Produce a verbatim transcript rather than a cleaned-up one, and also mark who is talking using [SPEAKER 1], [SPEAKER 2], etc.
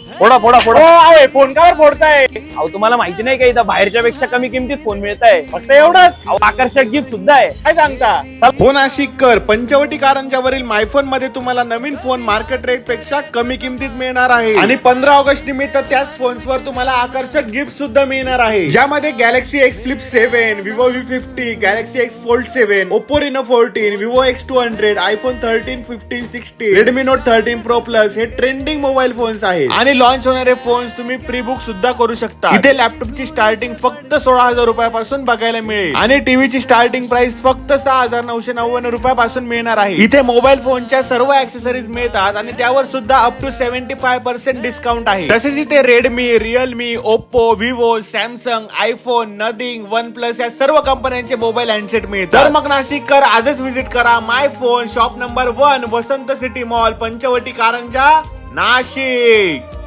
[SPEAKER 1] फोडा फोडा फोडा.
[SPEAKER 2] अहो फोन कावर फोडताय?
[SPEAKER 1] अहो तुम्हाला माहिती नाही का इथं बाहेरच्या पेक्षा कमी किमतीत फोन मिळत आहे.
[SPEAKER 2] फक्त एवढंच?
[SPEAKER 1] अहो आकर्षक गिफ्ट सुद्धा आहे.
[SPEAKER 2] काय सांगता?
[SPEAKER 3] फोन आशिक कर पंचवटी कारंजा वरील मायफोन मध्ये तुम्हाला नवीन फोन मार्केट रेट पेक्षा कमी किमतीत मिळणार आहे आणि पंधरा ऑगस्ट निमित्त त्याच फोन्स वर तुम्हाला आकर्षक गिफ्ट सुद्धा मिळणार आहे, ज्यामध्ये Galaxy X flip seven, Vivo V fifty, Galaxy X fold seven, Oppo Reno fourteen, Vivo X two hundred, iPhone thirteen, fifteen, sixteen, Redmi Note thirteen Pro Plus हे ट्रेंडिंग मोबाईल फोन्स आहेत आणि launch होणारे phones तुम्ही pre book सुद्धा करू शकता. इथे लॅपटॉपची starting फक्त सोळा हजार रुपयापासून बघायला मिळेल आणि टीव्हीची स्टार्टिंग प्राइस फक्त सहा हजार नऊशे नव्याण्णव रुपयापासून मिळणार आहे. इथे मोबाईल फोनच्या सर्व ऍक्सेसरीज मिळतात आणि त्यावर सुद्धा up to seventy five percent discount आहे. तसेच इथे Redmi, Realme, Oppo, Vivo, Samsung, iPhone, Nothing, OnePlus या सर्व कंपन्यांचे मोबाईल हँडसेट मिळतात. तर मग नाशिककर आजच व्हिजिट करा My Phone Shop number one, Vasant city mall, Panchavati Karanja, Nashik.